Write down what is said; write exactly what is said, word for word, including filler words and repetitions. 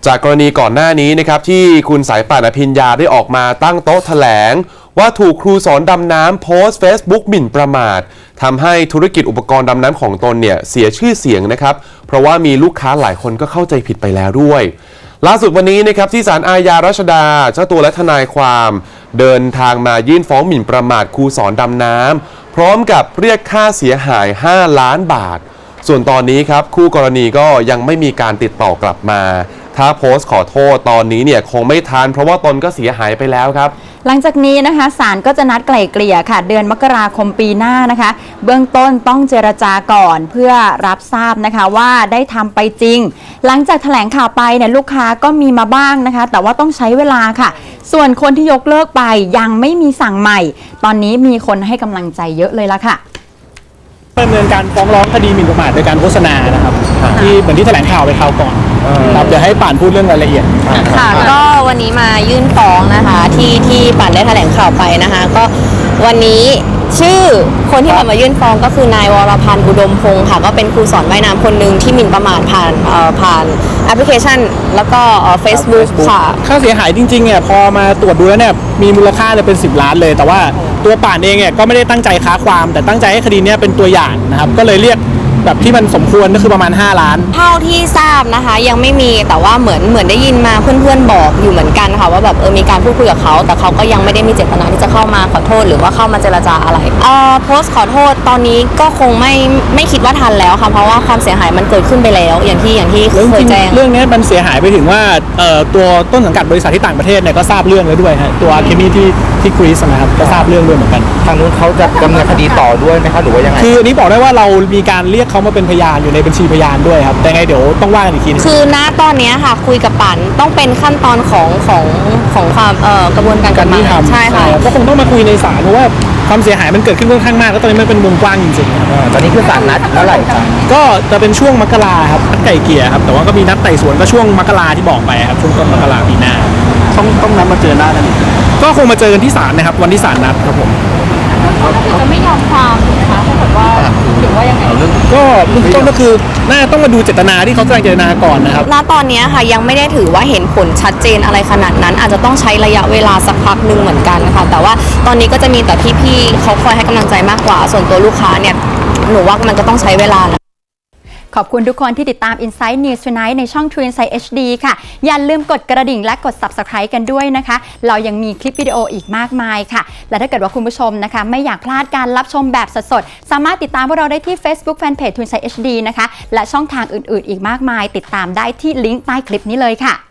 จากกรณีก่อนหน้านี้นะครับที่คุณสายป่านอภิญญาได้ออกมาตั้งโต๊ะแถลงว่าถูกครูสอนดำน้ำโพสต์ Facebook หมิ่นประมาททำให้ธุรกิจอุปกรณ์ดำน้ำของตนเนี่ยเสียชื่อเสียงนะครับเพราะว่ามีลูกค้าหลายคนก็เข้าใจผิดไปแล้วด้วยล่าสุดวันนี้นะครับที่ศาลอาญารัชดาเจ้าตัวและทนายความเดินทางมายื่นฟ้องหมิ่นประมาทครูสอนดำน้ำพร้อมกับเรียกค่าเสียหายห้าล้านบาทส่วนตอนนี้ครับคู่กรณีก็ยังไม่มีการติดต่อกลับมาถ้าโพสต์ขอโทษตอนนี้เนี่ยคงไม่ทันเพราะว่าตนก็เสียหายไปแล้วครับหลังจากนี้นะคะศาลก็จะนัดไกล่เกลี่ยค่ะเดือนมกราคมปีหน้านะคะเบื้องต้นต้องเจรจาก่อนเพื่อรับทราบนะคะว่าได้ทำไปจริงหลังจากแถลงข่าวไปเนี่ยลูกค้าก็มีมาบ้างนะคะแต่ว่าต้องใช้เวลาค่ะส่วนคนที่ยกเลิกไปยังไม่มีสั่งใหม่ตอนนี้มีคนให้กำลังใจเยอะเลยละค่ะดำเนินการฟ้องร้องคดีหมิ่นประมาทโดยการโฆษณานะครับที่เหมือนที่แถลงข่าวไปคราวก่อนครับเดี๋ยวให้ป่านพูดเรื่องรายละเอียดค่ะก็วันนี้มายื่นฟ้องนะคะที่ที่ป่านได้แถลงข่าวไปนะคะก็วันนี้ชื่อคนที่มายื่นฟ้องก็คือนายวรพันธ์อุดมพงศ์ค่ะก็เป็นครูสอนว่ายน้ำคนหนึ่งที่หมิ่นประมาทผ่านผ่านแอปพลิเคชันแล้วก็เฟซบุ๊กค่ะค่าเสียหายจริงๆเนี่ยพอมาตรวจดูแล้วเนี่ยมีมูลค่าเนี่ยเป็นสิบล้านเลยแต่ว่าตัวป่านเองเนี่ยก็ไม่ได้ตั้งใจค้าความแต่ตั้งใจให้คดีนี้เป็นตัวอย่างนะครับก็เลยเรียกแบบที่มันสมควรก็คือประมาณห้าล้านเท่าที่ทราบนะคะยังไม่มีแต่ว่าเหมือนเหมือนได้ยินมาเพื่อนๆบอกอยู่เหมือนกันค่ะว่าแบบเออมีการพูดคุยกับเขาแต่เขาก็ยังไม่ได้มีเจตนาที่จะเข้ามาขอโทษหรือว่าเข้ามาเจรจาอะไรเอ่อโพสต์ขอโทษตอนนี้ก็คงไม่ไม่คิดว่าทันแล้วค่ะเพราะว่าความเสียหายมันเกิดขึ้นไปแล้วอย่างที่อย่างที่เคยแจ้งเรื่องนี้มันเสียหายไปถึงว่าเอ่อตัวต้นสังกัดบริษัทที่ต่างประเทศเนี่ยก็ทราบเรื่องแล้วด้วยฮะตัวเคมีที่ที่กรีซนะครับก็ทราบเรื่องด้วยเหมือนกันทางนู้นเขาจะดำเนินคดีต่อด้วยไหมครับหรือว่ายังไงคืออันนี้บอกได้ว่าเรามีการเรียกเขามาเป็นพยานอยู่ในบัญชีพยานด้วยครับแต่ไงเดี๋ยวต้องว่ากันอีกทีคือณตอนนี้ค่ะคุยกับป่านต้องเป็นขั้นตอนของของของความเอ่อกระบวนการกฎหมายใช่ค่ะก็คงต้องมาคุยในศาลเพราะว่าความเสียหายมันเกิดขึ้นค่อนข้างมากแล้วตอนนี้มันเป็นวงกว้างจริงๆตอนนี้คือศาลนัดเมื่อไหร่ครับก็จะเป็นช่วงมกราครับนัดไก่เกลี่ยครับแต่ว่าก็มีนัดไต่สวนก็ช่วงมกราที่บอกไปครับช่วงต้นมกราปีหน้าต้องต้องนัดมาเจอหน้ากันก็คงมาเจอกันที่ศาลนะครับวันที่ศาลนัดครับผมจะไม่ยอมความนะคะถ้าเกิดว่าหรือว่ายังไงก็เบื้องต้นก็คือน่าต้องมาดูเจตนาที่เขาแสดงเจตนาก่อนนะครับณตอนนี้ค่ะยังไม่ได้ถือว่าเห็นผลชัดเจนอะไรขนาดนั้นอาจจะต้องใช้ระยะเวลาสักพักหนึ่งเหมือนกันนะคะแต่ว่าตอนนี้ก็จะมีแต่พี่ๆเขาคอยให้กำลังใจมากกว่าส่วนตัวลูกค้าเนี่ยหนูว่ามันก็ต้องใช้เวลานะขอบคุณทุกคนที่ติดตาม Inside News Tonight ในช่อง True Insight เอช ดี ค่ะอย่าลืมกดกระดิ่งและกด Subscribe กันด้วยนะคะเรายังมีคลิปวิดีโออีกมากมายค่ะและถ้าเกิดว่าคุณผู้ชมนะคะไม่อยากพลาดการรับชมแบบสดๆสามารถติดตามพวกเราได้ที่ Facebook Fanpage True Insight เอช ดี นะคะและช่องทางอื่นๆอีกมากมายติดตามได้ที่ลิงก์ใต้คลิปนี้เลยค่ะ